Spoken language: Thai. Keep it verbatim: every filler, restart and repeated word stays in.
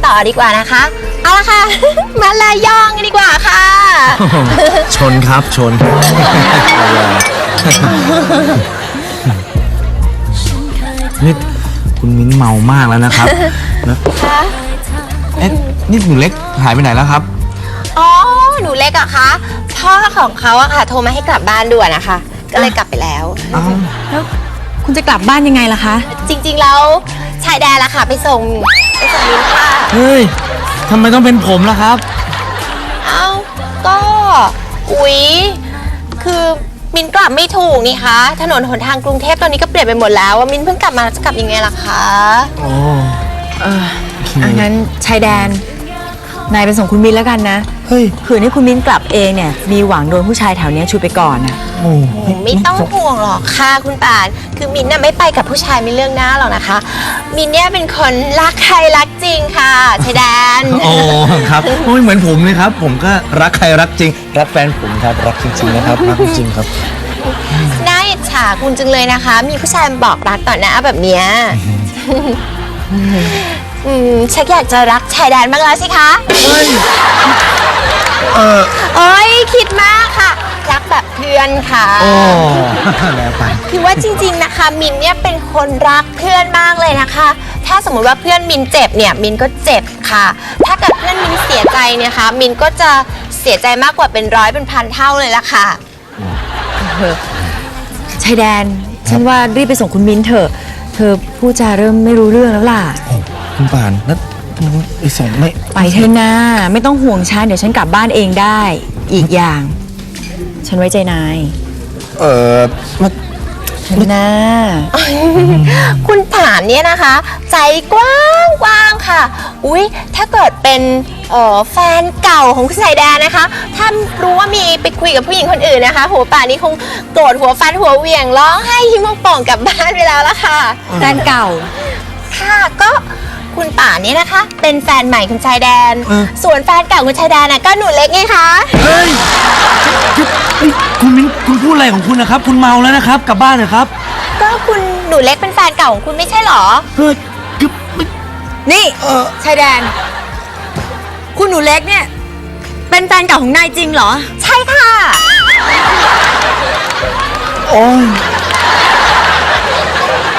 ต่อดีกว่านะคะเอาละค่ะ มาลายองกันดีกว่าค่ะชนครับชน นี่คุณมิ้นเมามากแล้วนะครับนะเอ๊ะนี่หนูเล็กหายไปไหนแล้วครับอ๋อหนูเล็กอะคะพ่อของเขาอะค่ะโทรมาให้กลับบ้านด่วนนะคะก็เลยกลับไปแล้วอ้าวแล้วคุณจะกลับบ้านยังไงล่ะคะจริงๆแล้วชายแดนละค่ะไปส่งไปส่งมิ้นค่ะเฮ้ยทำไมต้องเป็นผมล่ะครับเอ้าก็อุ๊ยคือมินกลับไม่ถูกนี่คะถนนหนทางกรุงเทพตอนนี้ก็เปลี่ยนไปหมดแล้วว่ามินเพิ่งกลับมาจะกลับยังไงล่ะคะโอ้เอออันนั้นชายแดน นายไปส่งคุณมิ้นแล้วกันนะเฮ้ยเผื่อให้คุณมิ้นกลับเองเนี่ย มีหวังโดนผู้ชายแถวเนี้ยชูไปก่อนนะโอ้ไม่ต้องห่วงหรอกค่ะคุณป่านคือมินน่ะไม่ไปกับผู้ชายไม่เรื่องหน้าหรอกนะคะ มินเนี่ยเป็นคนรักใครรักจริงค่ะชายแดนโอ้ครับโอ้ยเหมือนผมเลยครับ ผมก็รักใครรักจริง รักแฟนผมครับรักจริงๆนะครับรักจริงครับน่าอิจฉาคุณจังเลยนะคะ มีผู้ชายมาบอกรักต่อหน้าแบบเนี้ยอืมชักอยากจะรักชายแดนบ้างแล้วสิคะเออเอ้ยคิดมากค่ะ รักแบบเพื่อนค่ะโอ้แล้วไปคือว่าจริงๆนะคะ มินเนี่ยเป็นคนรักเพื่อนมากเลยนะคะ ถ้าสมมุติว่าเพื่อนมินเจ็บเนี่ยมินก็เจ็บค่ะ ถ้าเกิดเพื่อนมินเสียใจเนี่ยคะมินก็จะเสียใจมากกว่าเป็นร้อยเป็นพันเท่าเลยล่ะค่ะชายแดน ฉันว่ารีบไปส่งคุณมิ้นเถอะ เธอพูดจาเริ่มไม่รู้เรื่องแล้วล่ะคุณป่านแล้วไอ้สองไม่ไปเถอะนะไม่ต้องห่วงฉันเดี๋ยวฉันกลับบ้านเองได้ อีกอย่าง ฉันไว้ใจนายเออมาเถอะนะคุณผานเนี่ยนะคะ ใจกว้างกว้างค่ะ อุ๊ย ถ้าเกิดเป็นเอ่อแฟนเก่าของคุณสายแดนนะคะ ถ้ารู้ว่ามีไปคุยกับผู้หญิงคนอื่นนะคะ หัวป่านนี้คงโกรธหัวฟันหัวเหวี่ยงร้องไห้ยิ้มโป่งกลับบ้านไปแล้วละค่ะแฟนเก่าค่ะก็คุณป่านเนี่ยนะคะ เป็นแฟนใหม่คุณชายแดนเออส่วนแฟนเก่าคุณชายแดนน่ะก็หนูเล็กไงคะเฮ้ยเฮ้ยคุณมิ้นคุณพูดอะไรของคุณนะครับ คุณเมาแล้วนะครับ กลับบ้านเถอะครับก็คุณหนูเล็กเป็นแฟนเก่าของคุณไม่ใช่เหรอเฮ้ยคือนี่เออชายแดน คุณหนูเล็กเนี่ย เป็นแฟนเก่าของนายจริงเหรอใช่ค่ะโอ้ย